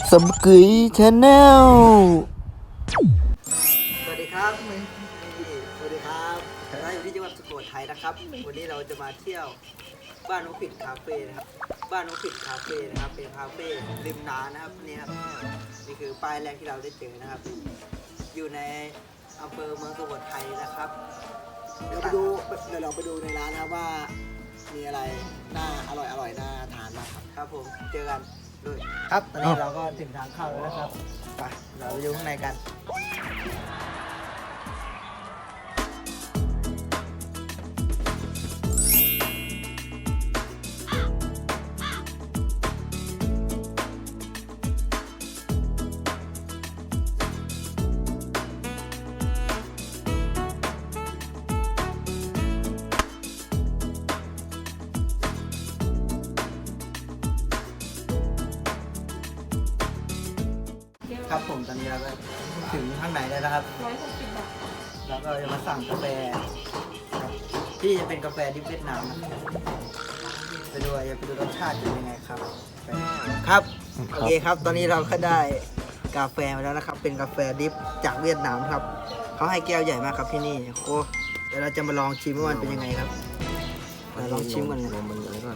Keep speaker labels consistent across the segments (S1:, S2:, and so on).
S1: สับกุยชาแนลสวัสดีครับสวัสดีครับเราอยู่ที่จังหวัดสุโขทัยนะครับวันนี้เราจะมาเที่ยวบ้านนกผิดคาเฟ่นะครับบ้านนกผิดคาเฟ่นะครับเป็นคาเฟ่ริมน้ำนะครับนี่ครับนี่คือป้ายแรกที่เราได้เจอนะครับอยู่ในอำเภอเมืองสุโขทัยนะครับเดี๋ยวเราไปดูในร้านนะครับว่ามีอะไรน่าอร่อยน่าทานมากครับผมเจอกันด้วยครับตอนนี้เราก็ถึงทางเข้าแล้วนะครับไปเราไปดูข้างในกันครับผมตอนนี้เราก็ถึงข้างในแล้วนะครับ160 บาทแล้วก็จะมาสั่งกาแฟครับที่จะเป็นกาแฟดิบเวียดนามนะไปดูรสชาติเป็นยังไงครับครับโอเคครับตอนนี้เราก็ได้กาแฟมาแล้วนะครับเป็นกาแฟดิบจากเวียดนามครับเขาให้แก้วใหญ่มากครับที่นี่โอ้เดี๋ยวเราจะมาลองชิมว่ามันเป็นยังไงครับลองชิมกันเลยมันอะไรก่อน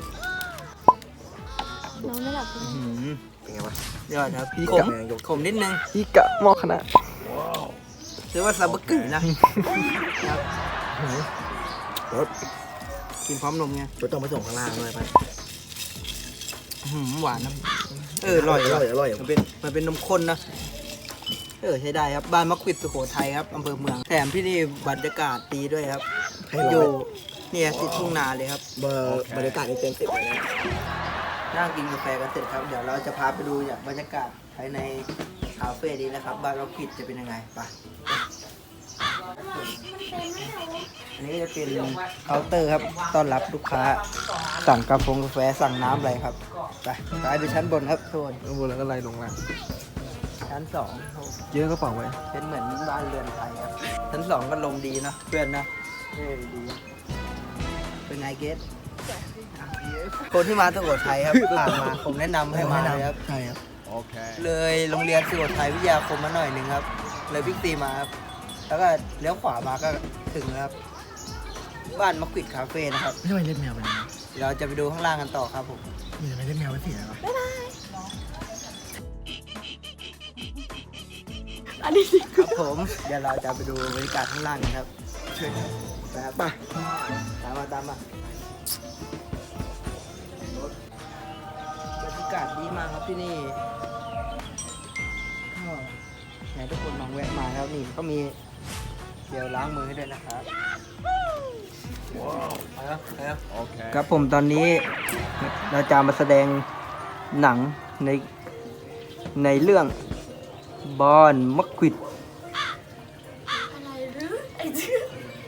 S2: น้องไม่หลับเลย
S1: เป็นไงวะยอดครับขมนิดนึง
S3: พี่กะหม้อคณะ
S1: ถือว่าซาบะกึ่นะครับกินพร้อมนมไง
S3: จะต้องไปส่งข้างล่างด้วยไป
S1: หวานนะอร่อยมันเป็นนมข้นนะใช้ได้ครับบ้านมักควิดสุโขทัยครับอำเภอเมืองแถมที่นี่บรรยากาศดีด้วยครับอยู่เนี่ยติดทุ่งนาเลยครับ
S3: บรรยากาศนี่เต็ม10เลยนะ
S1: นั่งกินกาแฟกันเสร็จครับเดี๋ยวเราจะพาไปดูบรรยากาศภายในคาเฟ่นี้นะครับบ้านมักควิดจะเป็นยังไงไปอันนี้จะเป็นเคาน์เตอร์ครับต้อนรับลูกค้าสั่งกาแฟสั่งน้ำอะไรครับไปดูชั้นบนครับทุกคน
S3: ข้างบนแล้วก็ไล่ลงมา
S1: ชั้น2
S3: เยอะก็เปล่าไว้
S1: เป็นเหมือนบ้านเรือนไทยครับชั้น2ก็ลมดีนะเพื่อนนะดีเป็นไงเกสคนที่มาสุโขทัยครับผ่านมาผมแนะนำให้มาเลยครับ
S3: ใช่ครับ
S1: โอเคเลยโรงเรียนสุโขทัยวิทยาคมมาหน่อยหนึ่งครับเลยบิ๊กซีมาครับแล้วก็เลี้ยวขวามาก็ถึงแล้วครับบ้านมักควิดคาเฟ่นะครับ
S3: ไม่ทำไมเล่นแมวไปนะ
S1: เราจะไปดูข้างล่างกันต่อครับผม
S3: มีทำไมเล่นแมวไปเสีย
S2: วะอันนี้
S1: ครับผมเดี๋ยวเราจะไปดูบรรยากาศข้างล่างกันครับเชิญครับไปตามมาบรรยากาศดีมากครับที่นี่ไหนทุกคนลองแวะมาครับนี่ก็มีเจลล้างมือให้ด้วยนะครับครับผมตอนนี้เราจะมาแสดงหนังในเรื่องบอนมักควิด
S2: อะไรหรือไอ้เจ้า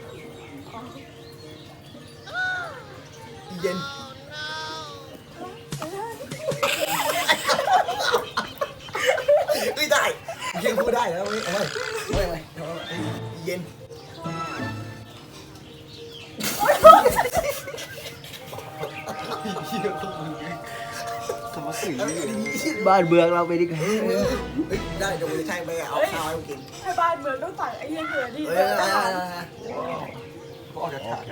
S3: เย็นไม่ได้ยังพูดได้แล้วไม่เย็น
S1: บ้านเมืองเราไปดิกัน
S3: ได้เดี๋ยวจะใช่ไปเอาข้าวให้กิน
S2: ให้บ้านเมืองต้องสั่งไอ้เหี้ยเกิดดิ
S3: โอเค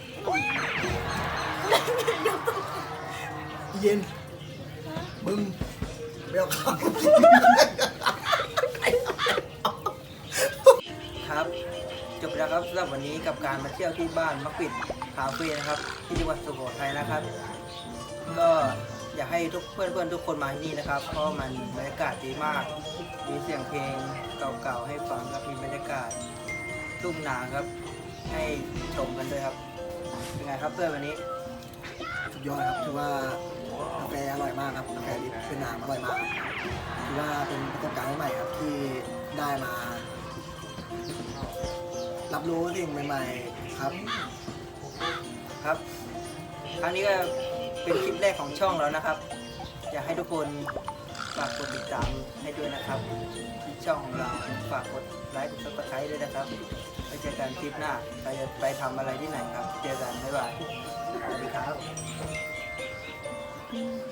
S3: เย็นมึงไม่เอาข้าว
S1: ครับจบแล้วครับสำหรับวันนี้กับการมาเที่ยวที่บ้านมักควิดคาเฟ่นะครับที่จังหวัดสุโขทัยนะครับก็อยากให้เพื่อนทุกคนมาที่นี่นะครับเพราะมันบรรยากาศดีมากมีเสียงเพลงเก่าๆให้ฟังครับมีบรรยากาศทุ่งนาครับให้ชมกันด้วยครับเป็นไงครับเพื่อนวันนี้
S3: สุดยอดครับถือว่ากาแฟอร่อยมากครับกาแฟดิบเวียดนามอร่อยมากถือว่าเป็นประสบการณ์ใหม่ครับที่ได้มารับรู้สิ่งใหม่ๆครับ
S1: ครั้งนี้ก็เป็นคลิปแรกของช่องแล้วนะครับอยากให้ทุกคนฝากกดติดตามให้ด้วยนะครับที่ช่องของเราฝากกดไลค์กดซับสไครต์ด้วยนะครับไปเจอกันคลิปหน้าใครจะไปทำอะไรที่ไหนครับเจอกันบ๊ายบายสวัสดีครับ